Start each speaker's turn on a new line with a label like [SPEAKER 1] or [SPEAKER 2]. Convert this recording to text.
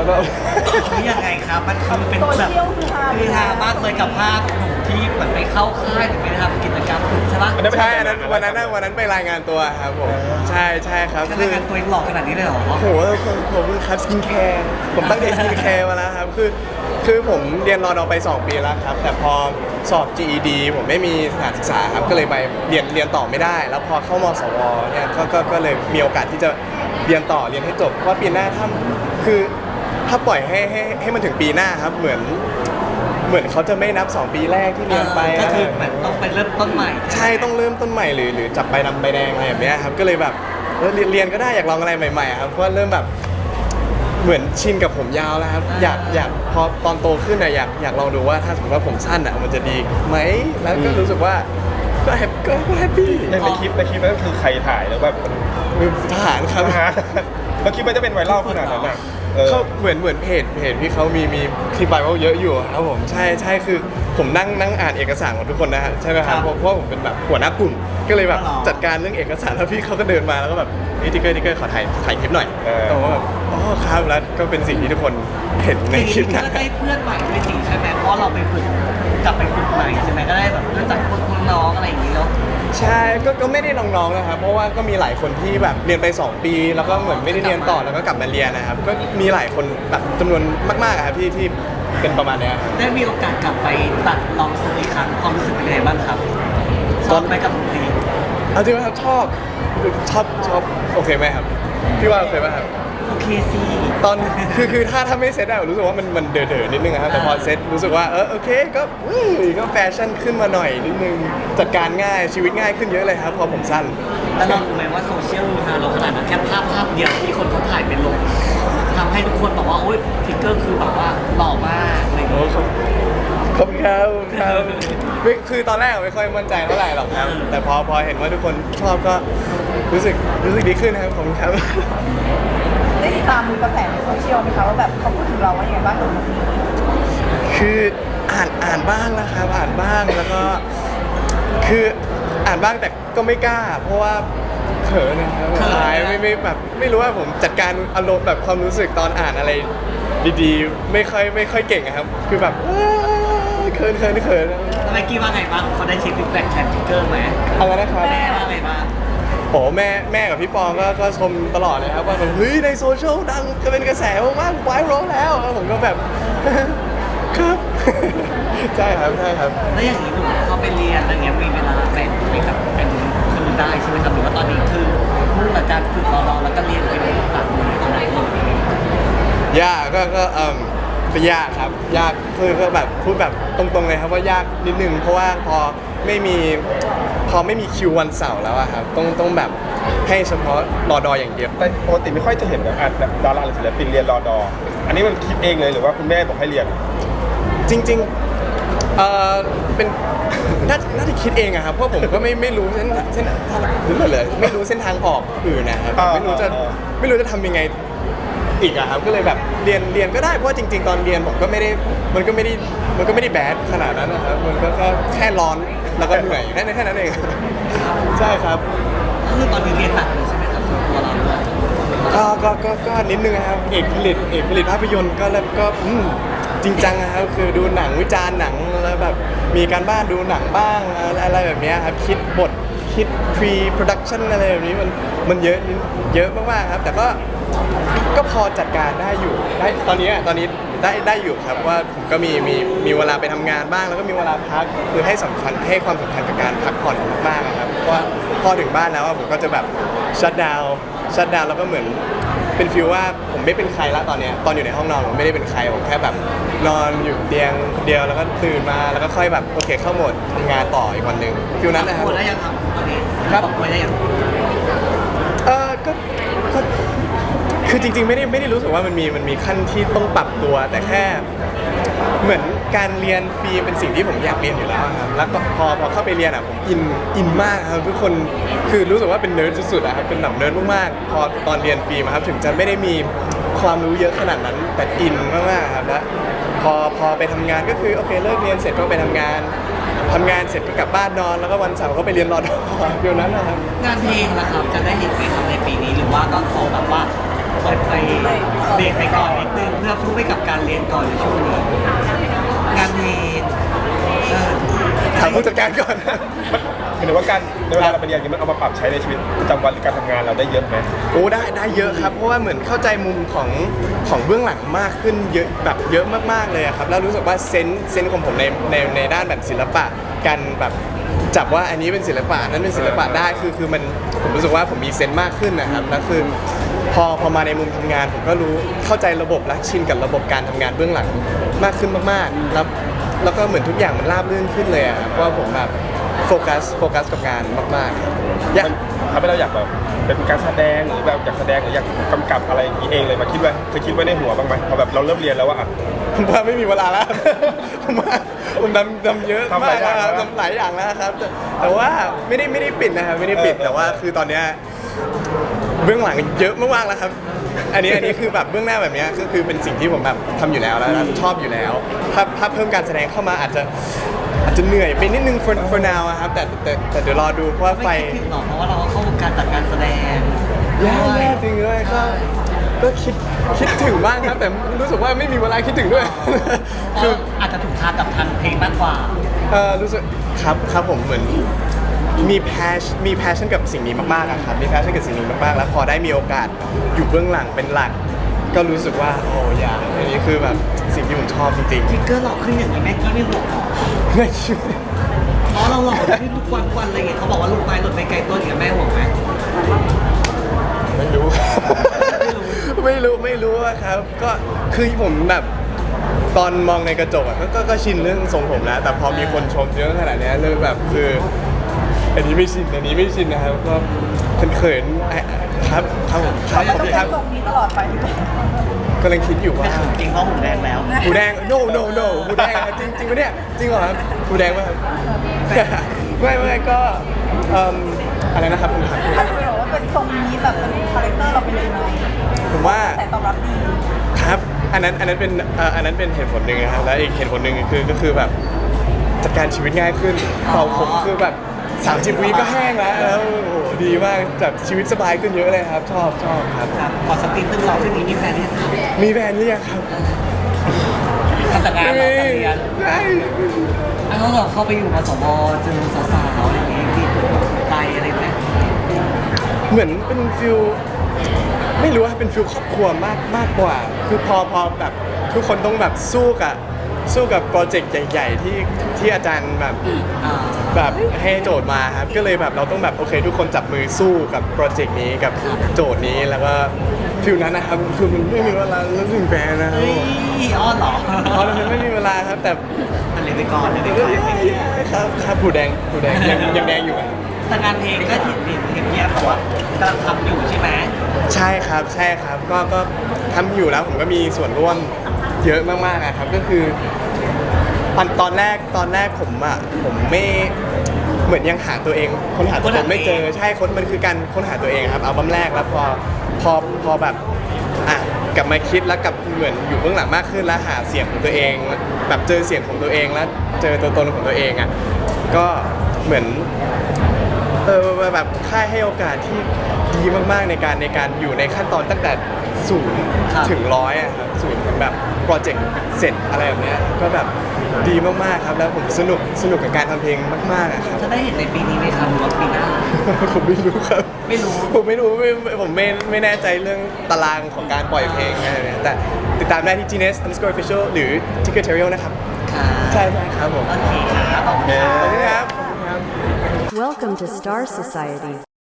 [SPEAKER 1] แล้วก็
[SPEAKER 2] นี่ยังไงครับมันคือเป็น
[SPEAKER 3] โซ
[SPEAKER 2] แบบ
[SPEAKER 3] เชียลคือฮา
[SPEAKER 2] มากเลยกับภาพหนุ่มที่เหมือนไปเข้าค่ายหรือไปทำกิจกรรมฝึกใช่ปะ
[SPEAKER 1] ใช่อันนั้นวันนั้นไปรายงานตัวครับผมใช่ครับ
[SPEAKER 2] ขนาดการตัวเองหล่อขนาดนี้เลยเหรอ
[SPEAKER 1] โอ้โหผมครับสกินแคร์ผมตั้งใจสกินแคร์มาแล้วครับคือผมเรียนรอดอไป 2 ปีแล้วครับแต่พอสอบ GED ผมไม่มีสถานศึกษาครับก็เลยไปเรียนต่อไม่ได้ แล้วพอเข้ามสวเนี่ยก็เลยมีโอกาสที่จะเรียนต่อเรียนให้จบเพราะปีหน้าถ้าปล่อยให้มันถึงปีหน้าครับเหมือนเขาจะไม่นับ 2 ปีแรกที่เรียนไป
[SPEAKER 2] ก็คือเหมือนต้องไปเริ่มต้นใหม่
[SPEAKER 1] ใช่ต้องเริ่มต้นใหม่หรือจับใบดำใบแดงอะไรแบบเนี้ยครับก็เลยแบบเรียนก็ได้อยากลองอะไรใหม่ๆครับเพราะว่าเริ่มแบบเหมือนชินกับผมยาวแล้วครับอยากพอตอนโตขึ้นอะอยากลองดูว่าถ้าสมมติว่าผมสั้นอะมันจะดีไหมแล้วก็รู้สึกว่าก็แฮปปี้
[SPEAKER 4] ในคลิปนั้นคือใครถ่ายแล้วแบบ
[SPEAKER 1] ทหารครับ
[SPEAKER 4] แล้วคลิปมันจะเป็นไวรัลขนาดนั้นอ่ะ
[SPEAKER 1] เขาเหมือนเพจที่เขามีคลิปไบเบิลเยอะอยู่ครับผมใช่คือผมนั่งอ่านเอกสารของทุกคนนะฮะใช่ไหมครับเพราะผมเป็นแบบหัวหน้ากลุ่มก็เลยแบบจัดการเรื่องเอกสารแล้วพี่เขาก็เดินมาแล้วก็แบบนี่ติ๊กเกอร์ขอถ่ายคลิปหน่อยแต่ว่าแบบอ๋อครับแล้วก็เป็นสิ่งที่ทุกคนเห็นในคลิป
[SPEAKER 2] ก็
[SPEAKER 1] นะ
[SPEAKER 2] ได้เพื่อนใหม่ด้วยสิใช่ไหมเพราะเราไปฝึกกลับไปฝึกใหม่ใช่ไหมก็ได้แบบรู้จักคนน้องอะไรอย่างนี้แล้ว
[SPEAKER 1] ใช่ก็ไม่ได้น้องๆนะครับเพราะว่าก็มีหลายคนที่แบบเรียนไป 2 ปี แล้วก็เหมือนไม่ได้เรียนต่อแล้วก็กลับมาเรียนนะครับก็มีหลายคนแบบจำนวนมากๆอะครับที่เป็นประมาณเนี้ยครับ
[SPEAKER 2] ได้มีโอกาสกลับไปตัดลองทรงอีกครั้งความรู้สึกเป็นยังไงบ้างครับชอบไหมกับดนตรี
[SPEAKER 1] เอาจริงๆครับชอบโอเคไหมครับพี่ว่าโอเคไหมครับ
[SPEAKER 2] โอเคสิ
[SPEAKER 1] ตอนคือถ้าไม่เซ็ตอะรู้สึกว่ามันเด๋อๆนิดนึงอะครับแต่พอเซ็ตรู้สึกว่าโอเคก็แฟชั่นขึ้นมาหน่อยนิดนึงจัดการง่ายชีวิตง่ายขึ้นเยอะเลยครับพอผมสั้น
[SPEAKER 2] แล้วเรารู้ไหมว่าโซเชียลมีเราขนาดนั้นแค่ภาพเดียวที่คนเขาถ่ายเป็นลงทำให้ทุกคนบอกว่าโอ๊ยทิกเกอร์คือแบบว่าหล่อมากอะไรอย่าง
[SPEAKER 1] โอ้
[SPEAKER 2] เงี้ย
[SPEAKER 1] ขอบคุณครับคือตอนแรกไม่ค่อยมั่นใจเท่าไหร่หรอกครับ แต่พอเห็นว่าทุกคนชอบก็รู้สึกดีขึ้นนะครับผมครับ
[SPEAKER 3] ได้ติดตามดูกระแสในโซเชียลไหมคะว่าแบบเขาพูดถึงเราว่ายังไงบ้าง
[SPEAKER 1] คืออ่านบ้างนะครับอ่านบ้างแล้วก็คืออ่านบ้างแต่ก็ไม่กล้า เพราะว่าเขินนะครับอายไม่แบบไม่รู้ว่าผมจัดการอารมณ์แบบความรู้สึกตอนอ่านอะไรดีๆไม่ค่อยเก่งอะครับคือแบบเขิน
[SPEAKER 2] แล้วไมค์กี้ว่าไงบ้างเขาได้เช็คฟีดแบ็กแทนทิกเกอร์ไหม
[SPEAKER 1] อะไรนะครับ
[SPEAKER 2] แม่ว่าไงบ้าง
[SPEAKER 1] โอ้แม่กับพี่ปองก็ชมตลอดเลยครับว่าแบบเฮ้ยในโซเชียลดังจะเป็นกระแสมากไวรัลแล้วผมก็แบบ ครับ ใช่ครับ
[SPEAKER 2] แล้วอย่างนี้หนูเขาไปเรียนอะไรเงี้ยมีเวลาเป็นแบบเป็นคือได้ใช่ไหมครับหรือว่าตอนนี้คือมุ่งกับการฝึกรอแล้วก็เรียนเป็นหลักเลยตรงไหนเลย
[SPEAKER 1] ยากก็เป็นยากครับยากคือก็แบบพูดแบบตรงๆเลยครับว่ายากนิดนึงเพราะว่าพอไม่มีคิววันเสาร์แล้วอะครับต้องแบบให้เฉพาะรอดออย่างเดียว
[SPEAKER 4] แต่ปกติไม่ค่อยจะเห็นแบบดาราหรือศิลปินเรียนรอดออันนี้มันคิดเองเลยหรือว่าคุณแม่บอกให้เรียน
[SPEAKER 1] จริงๆเป็นน่าจะคิดเองอะครับเพราะผมก็ไม่รู้เส้นหรือเลยไม่รู้เส้นทางออกอื่นนะครับไม่รู้จะทำยังไงอีกอะครับก็เลยแบบเรียนก็ได้เพราะว่าจริงๆตอนเรียนผมก็ไม่ได้แบดขนาดนั้นนะครับมันก็แค่ร้อนแล้วก็เหนื่อยแค่นั้นเองใช่ครับ
[SPEAKER 2] ก็คือตอนนี้เรียนหนักเลยใช่ไหมครับส่วนตัวเราด้วย
[SPEAKER 1] ก็นิดนึงนะครับเอกผลิตภาพยนตร์ก็แล้วก็จริงจังนะครับคือดูหนังวิจารณ์หนังแล้วแบบมีการบ้านดูหนังบ้างอะไรแบบนี้ครับคิดบทคิด pre-production อะไรแบบนี้มันเยอะมากๆครับแต่ก็พอจัดการได้อยู่ได้ตอนนี้ได้อยู่ครับว่าผมก็มีเวลาไปทำงานบ้างแล้วก็มีเวลาพักคือให้ความสำคัญกับการพักผ่อนมากๆนะครับเพราะว่าพอถึงบ้านแล้วผมก็จะแบบชัดดาวแล้วก็เหมือนเป็นฟีลว่าผมไม่เป็นใครละตอนอยู่ในห้องนอนผมไม่ได้เป็นใครผมแค่แบบนอนอยู่เตียงเดียวแล้วก็ตื่นมาแล้วก็ค่อยแบบโอเคเข้าโหมดทำงานต่ออีกวันหนึ่งฟีลนั้นนะครับ
[SPEAKER 2] ปวดได้ยังครับตอนนี้
[SPEAKER 1] ครับ
[SPEAKER 2] ปวดได้ยัง
[SPEAKER 1] ก็คือจริงๆไม่ได้รู้สึกว่ามันมีขั้นที่ต้องปรับตัว แต่แค่เหมือนการเรียนฟรีเป็นสิ่งที่ผมอยากเรียนอยู่แล้วครับแล้วก็พอเข้าไปเรียนผมอินมากครับทุกคนคือรู้สึกว่าเป็นเนิร์ดสุดๆครับเป็นแบบเนิร์ดมากๆพอตอนเรียนฟรีมาครับถึงจะไม่ได้มีความรู้เยอะขนาดนั้นแต่อินมากๆครับแล้วพอไปทำงานก็คือโอเคเลิกเรียนเสร็จก็ไปทำงานเสร็จก็กลับบ้านนอนแล้วก็วันเสาร์ก็ไปเรียนรอดอเดียวนั้นนะครับ
[SPEAKER 2] งานเพลงล่ะครับจะได้เห็นไหมครับในปีนี้หรือว่าก็ขอแบบว่าเปิดไปเบรกไปก่อนนิดนึงเพื่อพุ่งไปกับการเรียนก่อนในช่วงนี้งานเพลง
[SPEAKER 1] ถามผู้จัดการก่อน
[SPEAKER 4] หมายถึงว่าการในเวลาเราไปเรียนมันเอามาปรับใช้ในชีวิตประจำวันหรือการทำงานเราได้เยอะไหม
[SPEAKER 1] โอ้ได้เยอะครับเพราะว่าเหมือนเข้าใจมุมของเบื้องหลังมากขึ้นเยอะแบบเยอะมากๆเลยอะครับแล้วรู้สึกว่าเซนส์ของผมในด้านแบบศิลปะการแบบจับว่าอันนี้เป็นศิลปะนั้นเป็นศิลปะได้คือมันผมรู้สึกว่าผมมีเซนส์มากขึ้นนะครับแล้วคือพอมาในมุมทำงานผมก็รู้เข้าใจระบบและชินกับระบบการทำงานเบื้องหลังมากขึ้นมากๆแล้วก็เหมือนทุกอย่างมันราบรื่นขึ้นเลยอะครับเพราะว่าผมแบบโฟกัสกับงานมากๆครับ
[SPEAKER 4] มันทำให้เราอยากแบบเป็นการแสดงหรือแบบอยากแสดงหรืออยากกำกับอะไรอย่างนี้เองเลยมาคิดไว้เคยคิดไว้ในหัวบ้างไหมพอแบบเราเริ่มเรียนแล้วว่าอ่ะ
[SPEAKER 1] ผมว่าไม่มีเวลาแล้ว ผมทำเยอะ
[SPEAKER 4] ทำห
[SPEAKER 1] มา
[SPEAKER 4] ลาก ยอย่าง
[SPEAKER 1] แล้ว
[SPEAKER 4] แล้ว
[SPEAKER 1] ทำหลายอย่างแล้วครับแต่ว่าไม่ได้ปิดนะครับไม่ได้ปิดแต่ว่าคือตอนเนี้ยเบื้องหลังเยอะมากๆแล้วครับอันนี้คือแบบเบื้องหน้าแบบเนี้ยก็คือเป็นสิ่งที่ผมแบบทำอยู่แล้วชอบอยู่แล้วถ้าเพิ่มการแสดงเข้ามาอาจจะเหนื่อยไปนิดนึง for now อะครับแต่เดี๋ยวรอดูเพราะว่าไฟ
[SPEAKER 2] ไม่คิดถึงหรอกเพราะว่าเราก็เข้าวงการจัดการแสดง
[SPEAKER 1] แย่จริงเลยก็คิดถึงบ้างครับแต่รู้สึกว่าไม่มีเวลาคิดถึงด้วย
[SPEAKER 2] คืออาจจะถูกทางกับทางเพลงมากกว่า
[SPEAKER 1] รู้สึกครับผมเหมือนมีแพชชั่นกับสิ่งนี้มากๆอะครับมีแพชชั่นกับสิ่งนี้มากๆแล้วพอได้มีโอกาสอยู่เบื้องหลังเป็นหลัก ก็รู้สึกว่าโอ้ยอันนี้คือแบบสิ่งที่ผมชอบจริง
[SPEAKER 2] ฟิกเกอร์หล่อขึ้นอย่างนี้แม่กี้ไม่ห่วงหรอ
[SPEAKER 1] ๆไม่คิด
[SPEAKER 2] เพราะเราหล่อขึ้นทุกวันอะไรเงี้ยเขาบอกว่าลูกไม้หล่นไปไกลต้นอย่างเงี้ยแม่ห่วงไหม
[SPEAKER 1] ไม่รู้ครับไม่รู้อะครับก็คือผมแบบตอนมองในกระจกอะก็ชินเรื่องทรงผมแล้วแต่พอมีคนชมเยอะขนาดเนี้ยเริ่มแบบคืออันนี้ไม่ชินนะครับก็เขินๆครับผมครับ
[SPEAKER 3] เรา
[SPEAKER 1] ผม
[SPEAKER 3] ต้อง
[SPEAKER 1] ค
[SPEAKER 3] เป็
[SPEAKER 1] รั
[SPEAKER 3] น
[SPEAKER 1] บ
[SPEAKER 3] ทรงนี้ตลอดไปหรือเปล่าก
[SPEAKER 1] ำลังคิดอยู่ว่า
[SPEAKER 2] จริงเพราะหูแดงแล้ว
[SPEAKER 1] หูแดง no หูแดงอะจริงปะเนี่ยจริงเหรอครับหูแดงป่ะครับ ไม่ก็อะไรนะครับคุณครับ
[SPEAKER 3] ถ้าจะไปบอกว่าเป็นทรงนี้แบบเป็นคาแรคเตอร์เราเป็นยังไง
[SPEAKER 1] ผมว่า
[SPEAKER 3] แต่ตอบรับดี
[SPEAKER 1] ครับอันนั้นเป็นเหตุผลหนึ่งนะครับแล้วอีกเหตุผลหนึ่งก็คือแบบจัดการชีวิตง่ายขึ้นเป่าผมคือแบบ30 วิก็แห้งแล้วโอ้โหดีมากแบบชีวิตสบายขึ้นเยอะเลยครับชอบครับ
[SPEAKER 2] ครับขอสตรีทตึงหล่อขึ้นนี้มีแฟนเนี่ย
[SPEAKER 1] มีแฟนหรือยังครับ
[SPEAKER 2] ทำแต่งานเราแต่เรียน
[SPEAKER 1] ใช่
[SPEAKER 2] แล้วเราเข้าไปอยู่มสวเจอสาวๆอะไรอย่างเงี้ยที่ไปอะไรไหม
[SPEAKER 1] เหมือนเป็นฟิลไม่รู้ว่าเป็นฟิลครอบครัวมากกว่า คือพอแบบทุกคนต้องแบบสู้กับโปรเจกต์ใหญ่ๆที่อาจารย์แบบให้โจทย์มาครับก็เลยแบบเราต้องแบบโอเค ทุกคนจับมือสู้กับโปรเจกต์นี้กับโจทย์นี้แล้วก็ฟิลนั้นนะครับคือมันไม่มีเวลาแล้วถึงแฟนนะครับ
[SPEAKER 2] เฮ้ยอ้อนเหรอ
[SPEAKER 1] เพราะมันไม่มีเวลาครับแต่
[SPEAKER 2] มันเลยไปก่อนเลยไปก่อน
[SPEAKER 1] ครับผู้แดงยังแดงอยู่อะ
[SPEAKER 2] แต่งานเพลงก็เห็นเนี่ยบอกว่ากำลังทำอยู่ใช่ไหม
[SPEAKER 1] ใช่ครับก็ทำอยู่แล้วผมก็มีส่วนร่วมเยอะมากๆอะครับก็คือตอนแรกผมไม่เหมือนยังหาตัวเองค้นหาตัวผมไม่เจอใช่มันคือการค้นหาตัวเองครับอัลบั้มแรกแล้วพอแบบกลับมาคิดแล้วกับเหมือนอยู่เบื้องหลังมากขึ้นแล้วหาเสียงของตัวเองแบบเจอเสียงของตัวเองแล้วเจอตัวตนของตัวเองอ่ะก็เหมือนแบบค่ายให้โอกาสที่ดีมากๆในการอยู่ในขั้นตอนตั้งแต่0 ถึง 100อะครับ0ถึงแบบโปรเจกต์เสร็จอะไรแบบเนี้ยก็แบบดีมากๆครับแล้วผมสนุกกับการทำเพลงมากๆอะครับ
[SPEAKER 2] จะได้เห็นในปีนี้ไหมครับหรือว่าปีหน้า
[SPEAKER 1] ผมไม่รู้ครับ
[SPEAKER 2] ไม่รู้
[SPEAKER 1] ผมไม่รู้ผมไม่แน่ใจเรื่องตารางของการปล่อยเพลงอะไรเนี่ยแต่ติดตามได้ที่ Gnes_official หรือ Ticketerial นะครับ
[SPEAKER 2] ค่ะ
[SPEAKER 1] ใช่ครับผม
[SPEAKER 2] โอเคครับขอบคุณครับ
[SPEAKER 1] ขอบคุณครับ
[SPEAKER 5] Welcome to Star Society.